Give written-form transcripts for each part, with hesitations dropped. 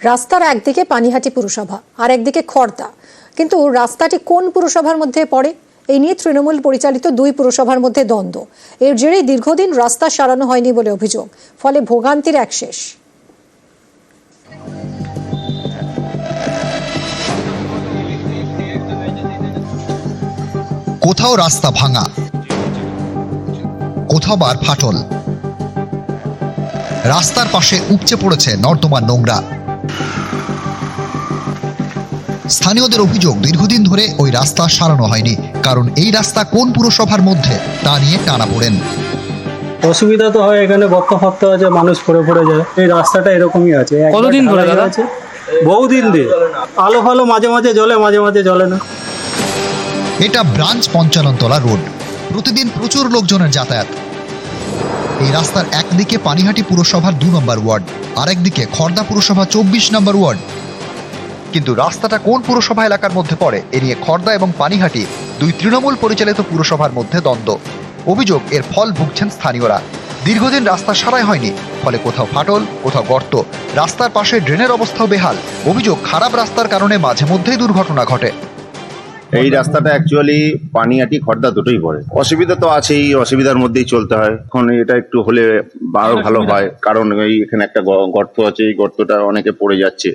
রাস্তার একদিকে পানিহাটি পুরসভা আর একদিকে খড়দা, কিন্তু রাস্তাটি কোন পুরসভার মধ্যে পড়ে এই নিয়ে তৃণমূল পরিচালিত দুই পুরসভার মধ্যে দ্বন্দ্ব। এর জেরেই দীর্ঘদিন রাস্তা সারানো হয়নি বলে অভিযোগ, ফলে ভোগান্তির এক শেষ। কোথাও রাস্তা ভাঙা, কোথাও বার ফাটল, রাস্তার পাশে উপচে পড়েছে নর্দমার নোংরা। স্থানীয়দের অভিযোগ, দীর্ঘদিন ধরে ওই রাস্তা সারানো হয়নি, কারণ এই রাস্তা কোন পুরসভার মধ্যে তা নিয়ে টানাপোড়েন। অসুবিধা তো হয়, এখানে গর্ত ফর্ত আছে, মানুষ পড়ে যায়। এই রাস্তাটা এরকমই আছে। কতদিন ধরে দাদা? আছে বহুদিন দিয়ে। আলো ফালো মাঝে মাঝে জ্বলে, মাঝে মাঝে জ্বলে না। এটা ব্রাঞ্চ 55 তলা রোড, প্রতিদিন প্রচুর লোকজনের যাতায়াত। এই রাস্তার একদিকে পানিহাটি পুরসভার 2 নম্বর ওয়ার্ড, আর একদিকে খড়দা পুরসভা 24 নম্বর ওয়ার্ড। কিন্তু রাস্তাটা কোন পুরসভা এলাকার মধ্যে পড়ে এ নিয়ে খড়দা এবং পানিহাটি দুই তৃণমূল পরিচালিত পুরসভার মধ্যে দ্বন্দ্ব। অভিযোগ, এর ফল ভুগছেন স্থানীয়রা। দীর্ঘদিন রাস্তা সারাই হয়নি, ফলে কোথাও ফাটল, কোথাও গর্ত, রাস্তার পাশে ড্রেনের অবস্থাও বেহাল। অভিযোগ, খারাপ রাস্তার কারণে মাঝে মধ্যেই দুর্ঘটনা ঘটে। এই রাস্তাটা অ্যাকচুয়ালি পানিহাটি খড়দা দুটোই পড়ে। অসুবিধা তো আছেই, অসুবিধার মধ্যেই চলতে হয়। এখন এটা একটু হলে আরো ভালো হয়, কারণ এই এখানে একটা গর্ত আছে, এই গর্তটা অনেকে পড়ে যাচ্ছে।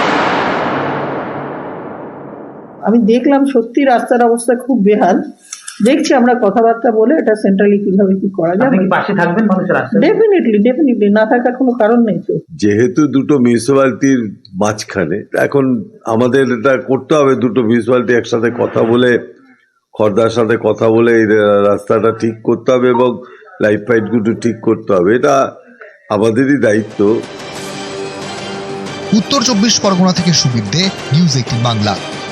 আমি দেখলাম সত্যি রাস্তার অবস্থা খুব বেহাল। দেখছি আমরা কথাবার্তা বলে এটা সেন্ট্রালি কিভাবে কি করা যায়। পাশে থাকবেন মানুষের রাস্তায়? ডেফিনেটলি না থাকার কোনো কারণ নেই তো। যেহেতু দুটো মিউনিসিপ্যালিটির মাঝখানে, এখন আমাদের এটা করতে হবে, দুটো মিউনিসিপ্যালিটি একসাথে কথা বলে, খড়দার সাথে কথা বলে এই রাস্তাটা ঠিক করতে হবে এবং লাইট ফাইটগুলো ঠিক করতে হবে। এটা আমাদেরই দায়িত্ব। উত্তর 24 পরগনা থেকে সুবীর দে, নিউজ 18 বাংলা।